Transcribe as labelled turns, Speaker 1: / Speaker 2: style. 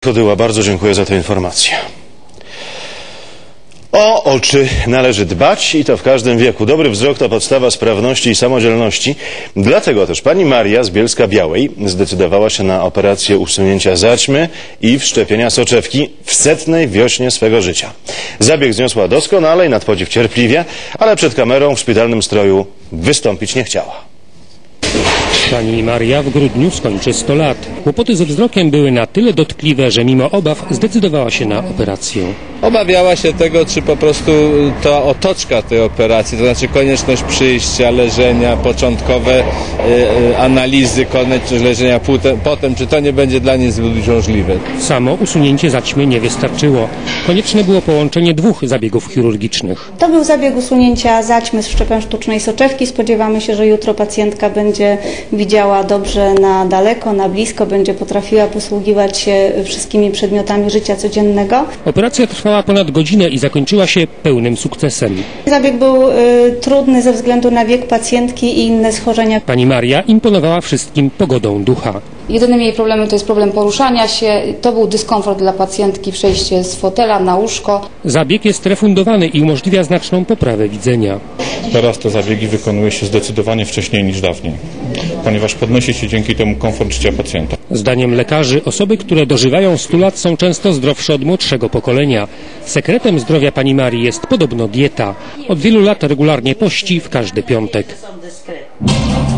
Speaker 1: Kodyła, bardzo dziękuję za tę informację. O oczy należy dbać i to w każdym wieku. Dobry wzrok to podstawa sprawności i samodzielności. Dlatego też pani Maria z Bielska-Białej zdecydowała się na operację usunięcia zaćmy i wszczepienia soczewki w 100. wiośnie swego życia. Zabieg zniosła doskonale i nad podziw cierpliwie, ale przed kamerą w szpitalnym stroju wystąpić nie chciała.
Speaker 2: Pani Maria w grudniu skończy 100 lat. Kłopoty ze wzrokiem były na tyle dotkliwe, że mimo obaw zdecydowała się na operację.
Speaker 3: Obawiała się tego, czy po prostu ta otoczka tej operacji, to znaczy konieczność przyjścia, leżenia, początkowe analizy, konieczność leżenia potem, czy to nie będzie dla niej zbyt uciążliwe.
Speaker 2: Samo usunięcie zaćmy nie wystarczyło. Konieczne było połączenie 2 zabiegów chirurgicznych.
Speaker 4: To był zabieg usunięcia zaćmy z wszczepem sztucznej soczewki. Spodziewamy się, że jutro pacjentka będzie widziała dobrze na daleko, na blisko, będzie potrafiła posługiwać się wszystkimi przedmiotami życia codziennego.
Speaker 2: Operacja trwała ponad godzinę i zakończyła się pełnym sukcesem.
Speaker 4: Zabieg był trudny ze względu na wiek pacjentki i inne schorzenia.
Speaker 2: Pani Maria imponowała wszystkim pogodą ducha.
Speaker 5: Jedynym jej problemem to jest problem poruszania się. To był dyskomfort dla pacjentki, przejście z fotela na łóżko.
Speaker 2: Zabieg jest refundowany i umożliwia znaczną poprawę widzenia.
Speaker 6: Teraz te zabiegi wykonuje się zdecydowanie wcześniej niż dawniej, ponieważ podnosi się dzięki temu komfort życia pacjenta.
Speaker 2: Zdaniem lekarzy osoby, które dożywają 100 lat są często zdrowsze od młodszego pokolenia. Sekretem zdrowia pani Marii jest podobno dieta. Od wielu lat regularnie pości w każdy piątek.